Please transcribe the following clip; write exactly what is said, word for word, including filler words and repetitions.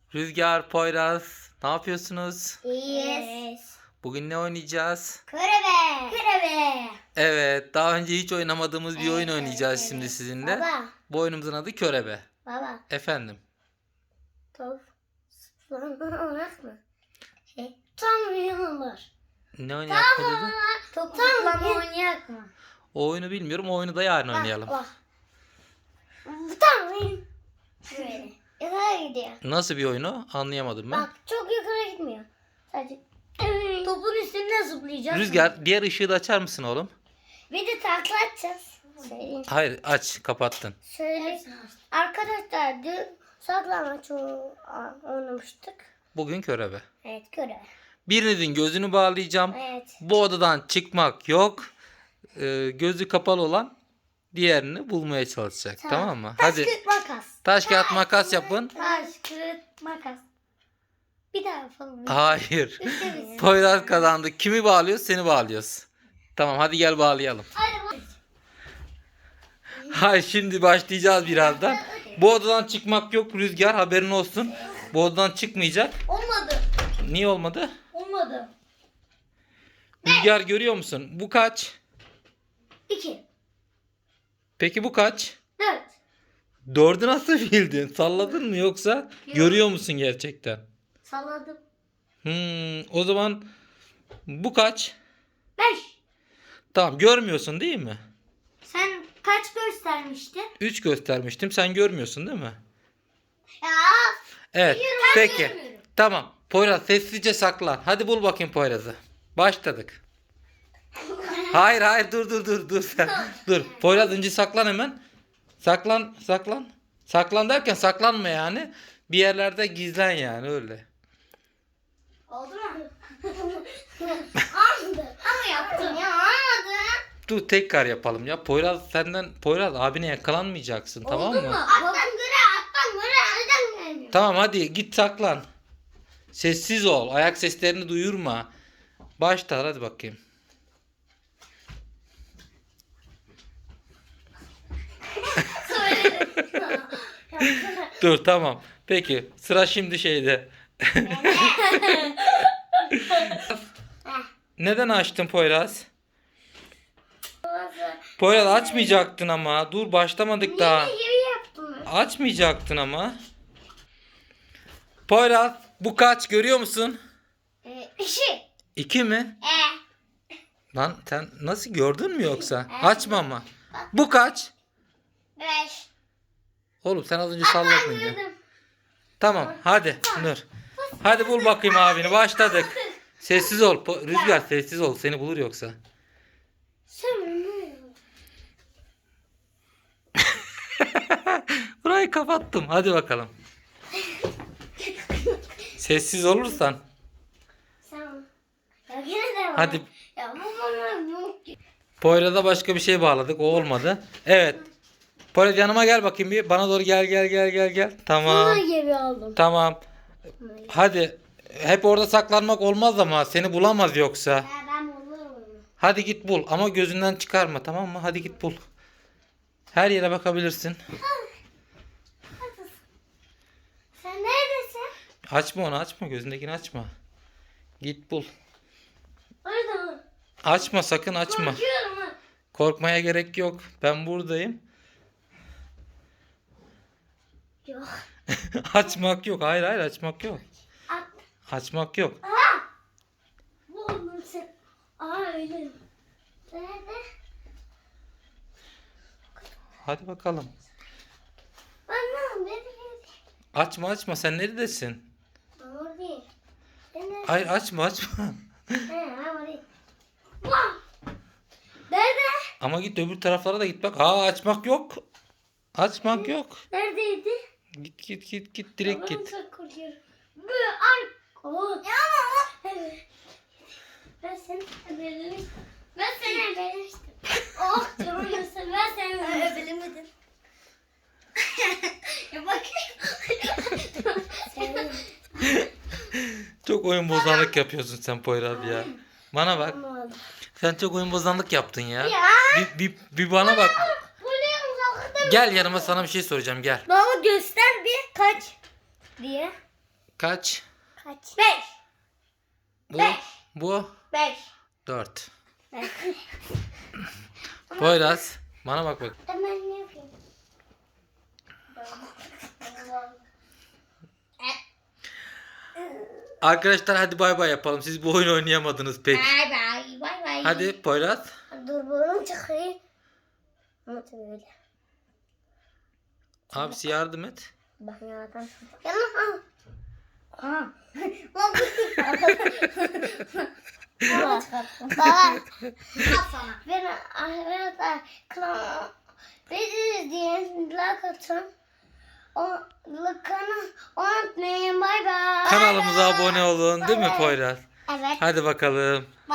Rüzgar, Poyraz, ne yapıyorsunuz? İyiyiz. Bugün ne oynayacağız? Körebe. Körebe. Evet, daha önce hiç oynamadığımız bir Evet, oyun evet, oynayacağız evet. şimdi sizinle. Baba. Bu oyunumuzun adı Körebe. Baba. Efendim. Top. Zıplamamak mı? Şey. Tam oynuyorlar. Ne oynayak mı dedi? Top zıplama oynayak mı? O oyunu bilmiyorum, o oyunu da yarın oynayalım. Bak. Tam oyun. Böyle. Yukarı gidiyor. Nasıl bir oyunu? Anlayamadım ben. Bak çok yukarı gitmiyor. Sadece topun üstünde zıplayacağız. Rüzgar, diğer ışığı da açar mısın oğlum? Bir de takla atacağız. Söyleyeyim. Hayır, aç, kapattın. Söyle. Arkadaşlar dün saklambaç o- oynamıştık. Bugün Körebe. Evet göre. Birinizin gözünü bağlayacağım. Evet. Bu odadan çıkmak yok. Ee, gözü kapalı olan diğerini bulmaya çalışacak. Tamam, mı? Taş Hadi. kağıt makas. Taş kağıt makas yapın. Taş kağıt makas. Bir daha yapalım. Hayır. Üçte biz. Poyraz kazandı. Kimi bağlıyoruz? Seni bağlıyoruz. Tamam, hadi gel bağlayalım. Hadi bak. Hayır, şimdi başlayacağız birazdan. Bu odadan çıkmak yok Rüzgar, haberin olsun. Bu odadan çıkmayacak. Olmadı. Niye olmadı? Olmadı. Rüzgar, görüyor musun? Bu kaç? İki. Peki bu kaç? Dört. Dördü nasıl bildin? Salladın mı yoksa görüyor musun gerçekten? Salladım. Hmm, o zaman bu kaç? Beş. Tamam, görmüyorsun değil mi? Sen kaç göstermiştin? üç göstermiştim. Sen görmüyorsun değil mi? Ya. Evet. Biliyorum, ben Peki. görmüyorum. Tamam. Poyraz, sessizce saklan. Hadi bul bakayım Poyraz'ı. Başladık. Hayır hayır, dur dur dur dur sen. Dur. Poyraz, önce saklan hemen. Saklan saklan. Saklan derken saklanma yani. Bir yerlerde gizlen yani, öyle. Oldu mu? Aldı. Ama yaptım ya. Almadı. Dur, tekrar yapalım ya. Poyraz senden Poyraz abine yakalanmayacaksın, tamam mı? Attan göre attan göre nereden gelmiyor? Tamam, hadi git saklan. Sessiz ol. Ayak seslerini duyurma. Başla, hadi bakayım. Dur, tamam. Peki, sıra şimdi şeyde. Neden açtın Poyraz? Poyraz, açmayacaktın ama. Dur, başlamadık daha. Yine gibi yaptım. Açmayacaktın ama. Poyraz, bu kaç, görüyor musun? Ee, işi. İki mi? E. Lan sen nasıl, gördün mü yoksa? Açma ama. Bu kaç? Beş. Oğlum sen az önce salladın ya. Gördüm. Tamam, hadi Nur. Hadi bul bakayım abini, başladık. Sessiz ol. Po- Rüzgar, sessiz ol, seni bulur yoksa. Sen ne? Burayı kapattım. Hadi bakalım. Sessiz olursan. Sen. Ya yine de var. Hadi. Ya bu bana bu. Poyraz'a başka bir şey bağladık. O olmadı. Evet. Poyraz, yanıma gel bakayım bir. Bana doğru gel gel gel gel gel. Tamam. gibi aldım. Tamam. Hadi. Hep orada saklanmak olmaz ama seni bulamaz yoksa. Ya ben bulurum onu. Hadi git bul ama gözünden çıkarma, tamam mı? Hadi git bul. Her yere bakabilirsin. Sen neredesin? Açma onu, açma, gözündekini açma. Git bul. Orada mı? Açma, sakın açma. Korkuyorum ha. Korkmaya gerek yok. Ben buradayım. Yok. Açmak yok. Hayır hayır, açmak yok. At. Açmak yok. Aa! Bu onun sen. Aa öyle. Nerede? Hadi bakalım. Anam nerede? Açma açma, sen neredesin? Ben oradayım. Sen nerede? Hayır, açma açma. He ben oradayım. Vah! Nerede? Ama git öbür taraflara da git bak. Aa, açmak yok. Açmak yok. Neredeydi? Git git git git, direkt Ben git. çok korkuyorum. Bu ar... Oo. Ya ama. Evet. Ben seni öldürmüştüm. Ben seni öldürmüştüm. Oh canım nasıl, ben seni öldürmedim. Ya bakayım. Seni Çok oyun bozanlık yapıyorsun sen Poyraz ya. Bana bak. öldürmedim. Sen çok oyun bozanlık yaptın ya. Ya. Bir, bir, bir bana bak. Buraya uzakta. Gel yanıma, sana bir şey soracağım, gel. Baba göster bir kaç diye. Kaç? Kaç? Beş. Bu. Beş. Bu. Beş. Dört. Poyraz. Bana bak bak. Ben ne yapayım? Arkadaşlar hadi bay bay yapalım. Siz bu oyunu oynayamadınız pek. Bay bay. Bay bay. Hadi Poyraz. Dur burnum çıkıyor. Nasıl böyle? Abisi yardım et. Bak yaratan. Yana ha. Ha. Lan Baba. Baba. Ben arkadaşlar kanal bizi izleyin, like atın. O kanal unutmayın. Bay bay. Kanalımıza abone olun değil mi Evet. Poyraz? Evet. Hadi bakalım.